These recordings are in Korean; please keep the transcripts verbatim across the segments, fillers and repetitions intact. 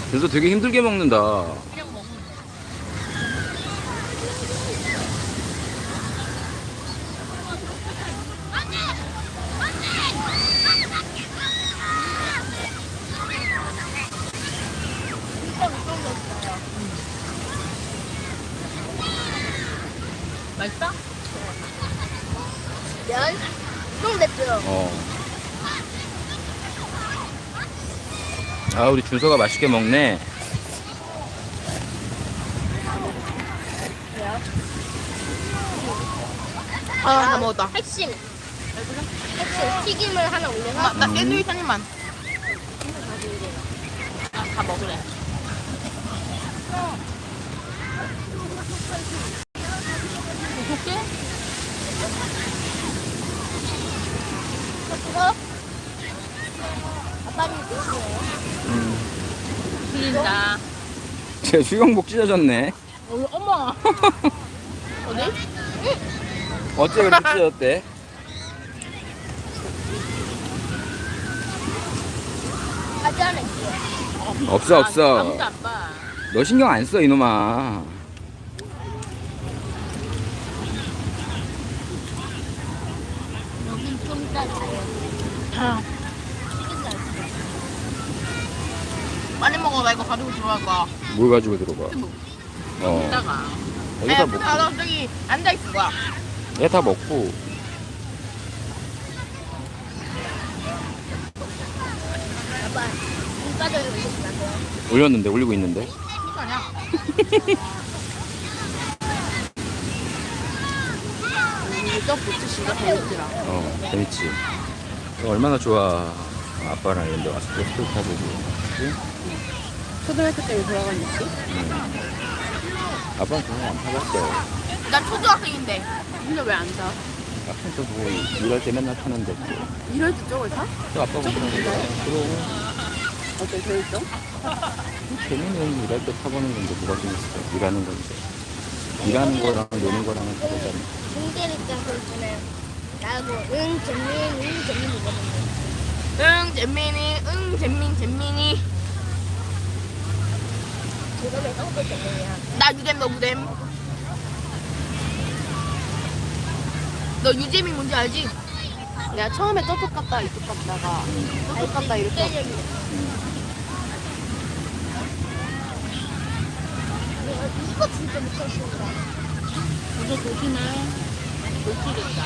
그래서 되게 힘들게 먹는다. 그냥 먹으면 돼. 맛있어? 면? 좀 맵죠? 어. 아, 우리 준서가 맛있게 먹네. 아, 다 먹었다. 핵심. 핵심. 튀김을 하나 올려서. 엄마, 나 샌드위치 한 입만. 아, 다 먹으래. 어떻게? 그거? 아빠는 누구예요? 틀린다. 제 수영복 찢어졌네. 어, 어머. 어디? 어째 그렇게 찢어졌대? 아직 안 했어요. 없어, 없어. 아무도 안 봐. 너 신경 안 써, 이놈아. 여긴 좀 이따 가요. 아, 튀김 잘 빨리 먹어. 나 이거 가지고 들어갈 거야. 뭘 가지고 들어가? 뭐, 어. 이따가. 여기 다 아, 먹고. 나 저기 앉아있을 거야. 얘 다 먹고. 아빠, 눈가져요 올리시면 올렸는데, 올리고 있는데. 이거 아니야. 이 떡꼬치 진짜 배고프더라. 어, 재밌지. 이거 얼마나 좋아. 아빠랑 이런 데 와서 또 타보고. 그치? 초등학교 때 돌아간 느낌? 아빠는 그런 거안 타봤어. 난 초등학생인데. 근데 왜 안 사? 아빠는 뭐, 일할 때 맨날 타는데. 또. 이럴 때 저걸 사? 또 아빠가 그런 거야. 그럼. 어때 재밌어? 재미는 일할 때 타보는 건데 뭐가 재밌어. 일하는 건데. 일하는 거랑 노는 거랑은 다르잖아. 중대니까 그러잖아요. 나도 응, 재민, 응, 재민이거든요. 응 잼민이 응 잼민 잼민이. 제가 왜 떡도 재민이야? 나 유잼 너 무잼. 너 유잼이 뭔지 알지? 내가 처음에 저쪽 갔다 이쪽 갔다가 저쪽 갔다 이렇게 이거 진짜 미쳤습니다. 이제 조심해. 조심했다.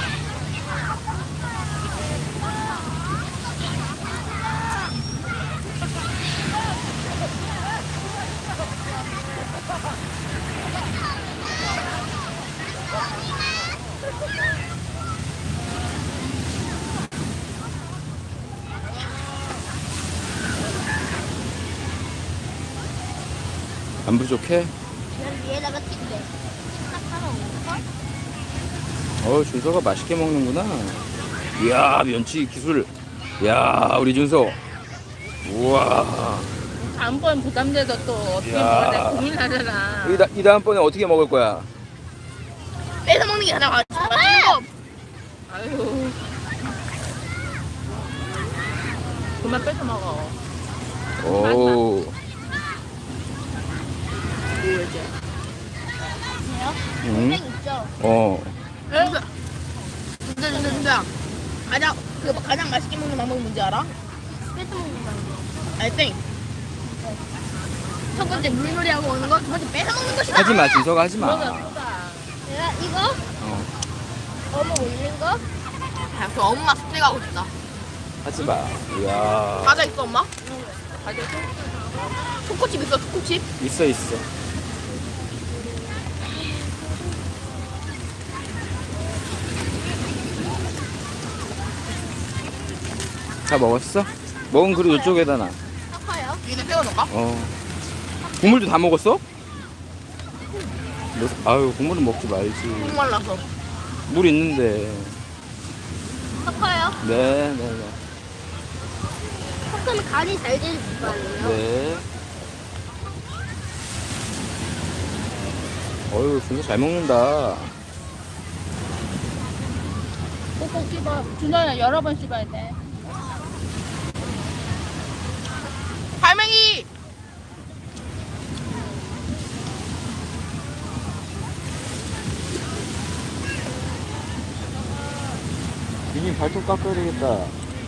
안 부족해? 난 위에다가 튀김 딱 하나 올릴걸? 어, 준서가 맛있게 먹는구나. 이야, 면치 기술. 이야, 우리 준서. 우와. 다음번 부담돼서 또 어떻게 야. 먹어야 돼 고민하잖아. 이, 다, 이 다음번에 어떻게 먹을 거야? 뺏어 먹는 게 가장 맛있는 거. 아유. 그만 뺏어 먹어. 오. 뭐지? 그래요? 응? 땡 있죠? 어. 진짜 진짜 진짜 진짜 가장 그 가장 맛있게 먹는 방법이 뭔지 알아? 뺏어 먹는 방법. 알땡 첫 번째 물놀이하고 오는 거, 두 번째 뺏어 먹는 것이다. 하지 마, 준서가 하지 마. 내가 이거 어. 어묵 올린 거 야, 그 엄마 숙제 가고 싶다. 하지 마. 이야. 과자 있어 엄마? 과자 있어? 초코칩 있어 초코칩? 있어, 있어. 다 먹었어? 먹은 그릇 이쪽에다 놔. 사파요? 위에 세워놓을까? 어. 국물도 다 먹었어? 너, 아유, 국물은 먹지 말지. 목 말라서. 물 있는데. 사파요? 네, 네, 네. 섞으면 간이 잘 되는 거 아니에요? 네. 어휴, 진짜 잘 먹는다. 꼭꼭 씹어. 준호야 여러 번 씹어야 돼. 할머니! 유진 발톱 깎아야 되겠다.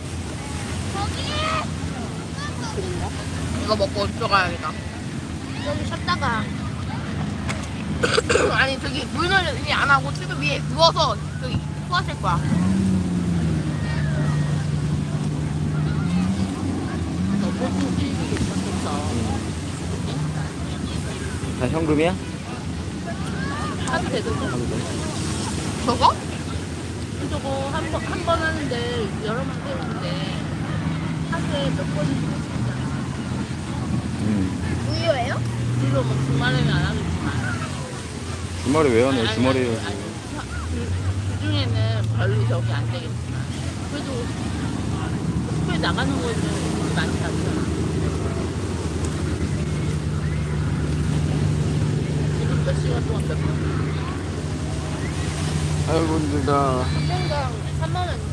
그런가? 이거 먹고 들어가야겠다. 여기 쉬었다가 아니 저기 물놀이 안 하고 출구 위에 누워서 저기 토하실 거야. 다 현금이야? 하도 되도 저거? 저거 한 번 한 번 하는데 여러 번 되는데 하루에 몇 번씩 응. 무료예요? 물론 뭐 주말에는 안 하겠지만 주말에 왜 하네? 아니, 주말에 아니, 해야지. 아니, 그, 그 중에는 별로 저기 안 되겠지만 그래도 학교에 나가는 거는 많지 않잖아. 지금 몇 시간 동안 몇 번? 아이고 힘들다. 한 명당 삼만 원